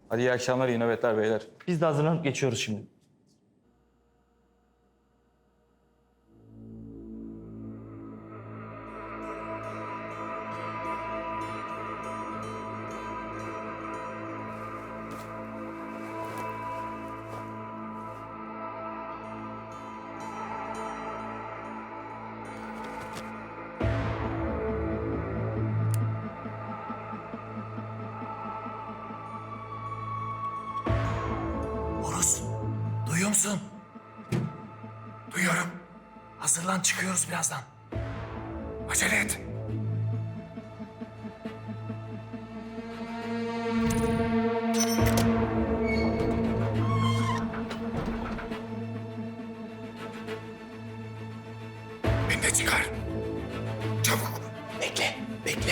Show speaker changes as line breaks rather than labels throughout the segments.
Hadi iyi akşamlar, iyi nöbetler beyler.
Biz de hazırlanıp geçiyoruz şimdi.
Horus, duyuyor musun? Duyuyorum. Hazırlan, çıkıyoruz birazdan. Acele et. Beni de çıkar. Çabuk. Bekle, bekle.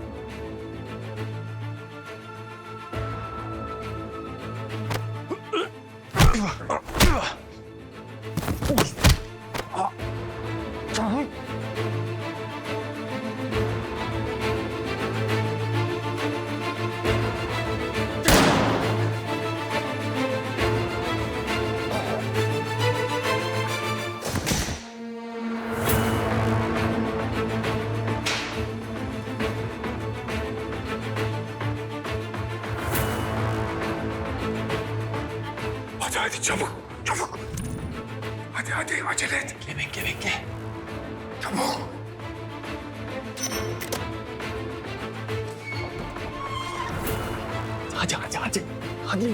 Hadi çabuk, çabuk. Hadi acele et. Bekle. Çabuk. Hadi.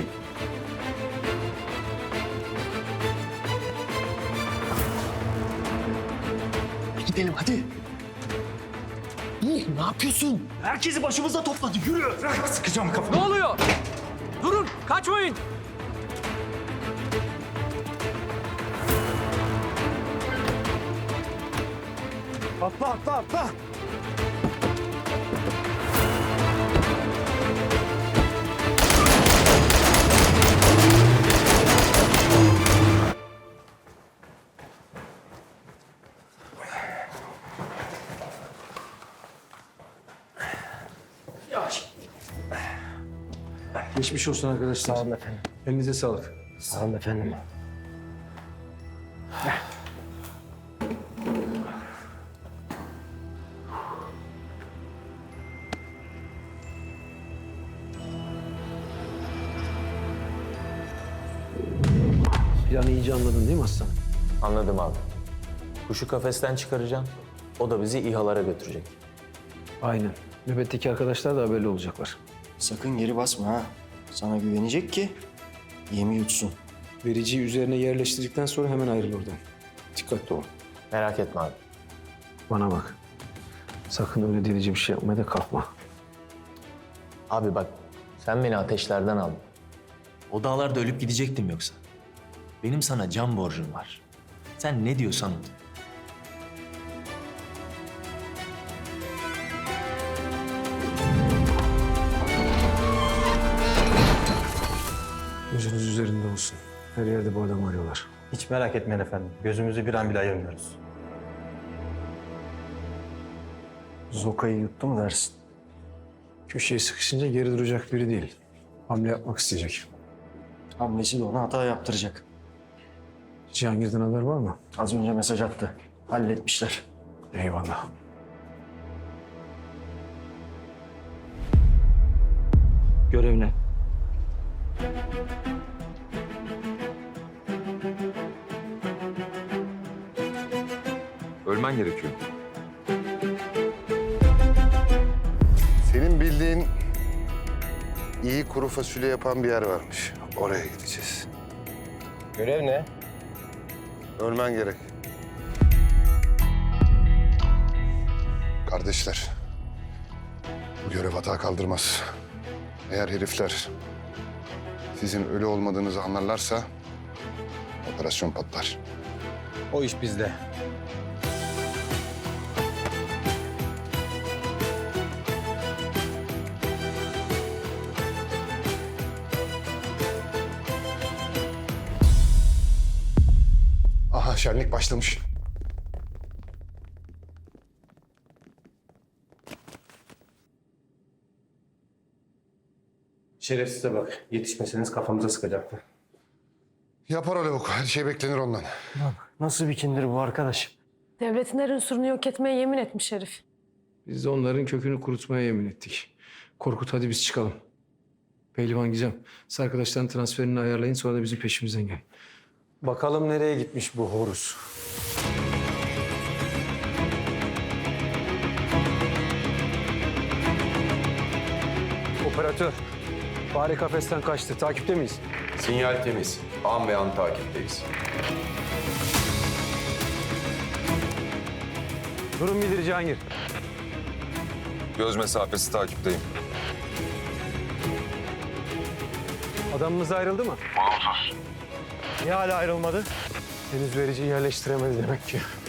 Gidelim hadi. Ne yapıyorsun?
Herkesi başımıza topladı. Yürü.
Bırak, sıkacağım kafamı.
Ne oluyor? Durun, kaçmayın.
Atla.
Geçmiş olsun arkadaşlar.
Sağ olun efendim.
Elinize sağlık.
Sağ olun efendim.
Planı iyice anladın değil mi aslanım?
Anladım abi. Kuşu kafesten çıkaracağım. O da bizi İHA'lara götürecek.
Aynen. Nöbetteki arkadaşlar da haberli olacaklar.
Sakın geri basma ha. Sana güvenecek ki yemi yutsun.
Vericiyi üzerine yerleştirdikten sonra hemen ayrıl oradan. Dikkatli ol.
Merak etme abi.
Bana bak. Sakın öyle delici bir şey yapmaya da kalkma.
Abi bak, sen beni ateşlerden aldın. O dağlarda ölüp gidecektim yoksa. Benim sana can borcum var. Sen ne diyorsan o.
Gözünüz üzerinde olsun. Her yerde bu adamı arıyorlar.
Hiç merak etmeyin efendim. Gözümüzü bir an bile ayırmıyoruz.
Zoka'yı yuttu mu dersin?
Köşeye sıkışınca geri duracak biri değil. Hamle yapmak isteyecek.
Hamlesi de ona hata yaptıracak.
Cihangir'den haber var mı?
Az önce mesaj attı. Halletmişler.
Eyvallah.
Görev ne?
Ölmen gerekiyor.
Senin bildiğin iyi kuru fasulye yapan bir yer varmış. Oraya gideceğiz.
Görev ne?
Ölmen gerek. Kardeşler, bu görev hata kaldırmaz. Eğer herifler sizin ölü olmadığınızı anlarlarsa operasyon patlar.
O iş bizde.
Aha, şenlik başlamış.
Şerefsize bak. Yetişmeseniz kafamıza sıkacaktı.
Yapar o lavuk. Her şey beklenir ondan.
Nasıl bir kindir bu arkadaş?
Devletin her unsurunu yok etmeye yemin etmiş herif.
Biz de onların kökünü kurutmaya yemin ettik. Korkut hadi biz çıkalım. Pehlivan Gizem, siz arkadaşların transferini ayarlayın sonra da bizim peşimizden gelin. Bakalım nereye gitmiş bu horus. Operatör, fare kafesten kaçtı. Takipte miyiz?
Sinyal temiz. An be an takipteyiz.
Durum bildir Cihangir.
Göz mesafesi takipteyim.
Adamımız ayrıldı mı? Olumsuz. Niye hala ayrılmadı? Henüz vericiyi yerleştiremedi demek ki.